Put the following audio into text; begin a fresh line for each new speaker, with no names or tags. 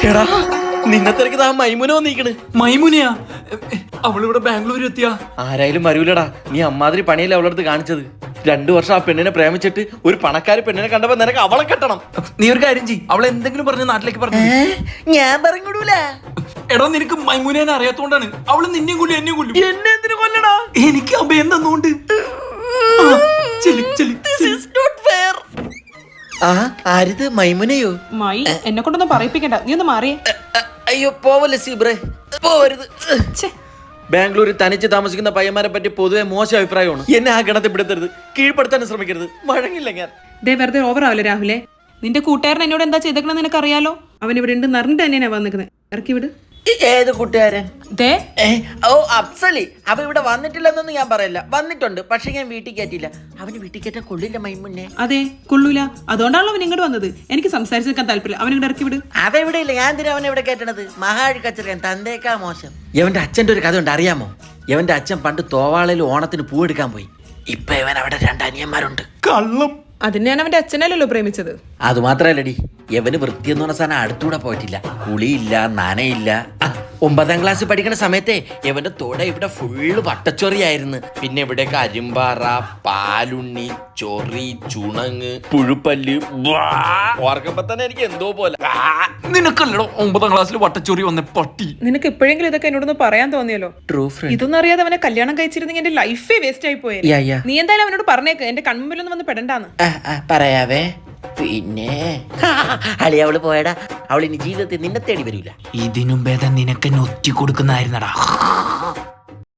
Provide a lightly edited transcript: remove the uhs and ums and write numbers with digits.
എടാ നിന്നെ തിരക്കിത് ആ മൈമുന വന്നിരിക്കണ്.
മൈമുനയാ? അവളിവിടെ ബാംഗ്ലൂർ എത്തിയാ?
ആരായാലും വരൂലടാ. നീ അമ്മാതിരി പണിയല്ലേ അവളടുത്ത് കാണിച്ചത്. 2 വർഷം ആ പെണ്ണിനെ പ്രേമിച്ചിട്ട് ഒരു പണക്കാരി പെണ്ണിനെ കണ്ടപ്പോ നിനക്ക് അവളെ കെട്ടണം.
നീ ഒരു കാര്യം ചെയ്യ്, അവളെ എന്തെങ്കിലും പറഞ്ഞ് നാട്ടിലേക്ക് പറഞ്ഞു.
ഞാൻ പറഞ്ഞൂല.
എടാ നിനക്ക് മൈമുനേനെ അറിയാത്തോണ്ടാണ്. അവള് നിന്നെയും കൊല്ലും എന്നെയും കൊല്ലും.
എന്നെ എന്തിനു കൊല്ലടാ?
എനിക്ക് അഭയം തന്നോണ്ട്.
ആരിത് മൈമുനയോ?
മൈ എന്നെ കൊണ്ടൊന്നും പറയിപ്പിക്കണ്ട, നീ ഒന്ന് മാറിയേ.
അയ്യോ പോവല്ലേ സീബ്രേ, പോവരുത്. ബാംഗ്ലൂരിൽ തനിച്ച് താമസിക്കുന്ന പയ്യന്മാരെ പറ്റി പൊതുവെ മോശം അഭിപ്രായമാണ്. എന്നെ ആ ഗണത്തിൽ പെടുത്തരുത്, കീഴ്പ്പെടുത്താൻ ശ്രമിക്കരുത്. വഴങ്ങില്ല ഞാൻ.
ദേ വെറുതെ ഓവർ ആവില്ല രാഹുലേ. നിന്റെ കൂട്ടുകാരൻ എന്നോട് എന്താ ചെയ്തേക്കണെന്ന് നിനക്കറിയാലോ. അവൻ ഇവിടെ ഉണ്ട് നിറഞ്ഞിട്ട് തന്നെയാ വന്നിരിക്കുന്നത്. ഇറക്കി വിട്.
ഏത് കൂട്ടുകാരൻ?
ദേ
ഓ അഫ്സലി. അവ ഇവിടെ വന്നിട്ടില്ലെന്നൊന്നും ഞാൻ പറയില്ല, വന്നിട്ടുണ്ട്. പക്ഷെ ഞാൻ വീട്ടിൽ കയറ്റിയില്ല. അവന് വീട്ടിൽ കയറ്റാൻ കൊള്ളില്ല മൈമുന്നെ.
അതെ കൊള്ളൂല, അതുകൊണ്ടാണല്ലോ അവൻ ഇങ്ങോട്ട് വന്നത്. എനിക്ക് സംസാരിച്ച് നിൽക്കാൻ താല്പര്യം. അവൻ ഇങ്ങോട്ട് ഇറക്കി വിട്.
അവ ഇവിടെ ഇല്ല, ഞാൻ എന്തിനാ അവനെ ഇവിടെ കയറ്റണത്? മഹാഴി കച്ചറിയാൻ തന്തേക്കാ മോശം. ഇവന്റെ അച്ഛൻ്റെ ഒരു കഥ ഉണ്ട്, അറിയാമോ? ഇവന്റെ അച്ഛൻ പണ്ട് തോവാളയിൽ ഓണത്തിന് പൂവെടുക്കാൻ പോയി. ഇപ്പൊ ഇവൻ അവിടെ 2 അനിയന്മാരുണ്ട്.
കള്ളം.
അതിന് ഞാൻ അവന്റെ അച്ഛനല്ലല്ലോ പ്രേമിച്ചത്.
അത് മാത്രല്ലടി, യവന് വൃത്തിയെന്ന് പറഞ്ഞ സാധനം അടുത്തൂടെ പോയിട്ടില്ല. കുളിയില്ല, നനയില്ല. 9ാം ക്ലാസ് പഠിക്കുന്ന സമയത്തെ യവന്റെ തോട ഇവിടെ ഫുള്ള് വട്ടച്ചൊറിയായിരുന്നു. പിന്നെ ഇവിടെയൊക്കെ അരിമ്പാറ, പാലുണ്ണി, ചൊറി, ചുണങ്ങ്, പുഴുപ്പല്ല്. ഓർക്കുമ്പോ തന്നെ എനിക്ക് എന്തോ പോലെ.
നിനക്കല്ലടോ 9ാം ക്ലാസ്സിൽ വട്ടച്ചോറി വന്ന പട്ടി.
നിനക്ക് എപ്പോഴെങ്കിലും ഇതൊക്കെ എന്നോടൊന്ന് പറയാൻ തോന്നിയല്ലോ.
True front.
ഇതൊന്നും അറിയാതെ അവനെ കല്യാണം കഴിച്ചിരുന്നെങ്കിൽ എന്റെ ലൈഫേ വേസ്റ്റ് ആയി പോയത്. നീ എന്തായാലും അവനോട് പറഞ്ഞേക്ക് എന്റെ കൺമുമ്പിലൊന്നും വന്ന് പെടണ്ടാന്ന്.
പറയാവേ. പിന്നെ അളി അവള് പോയടാ. അവൾ ഇനി ജീവിതത്തിൽ നിന്നെ തേടി വരൂല.
ഇതിനും ഭേദം നിനക്ക് ഒറ്റി കൊടുക്കുന്നതായിരുന്നടാ.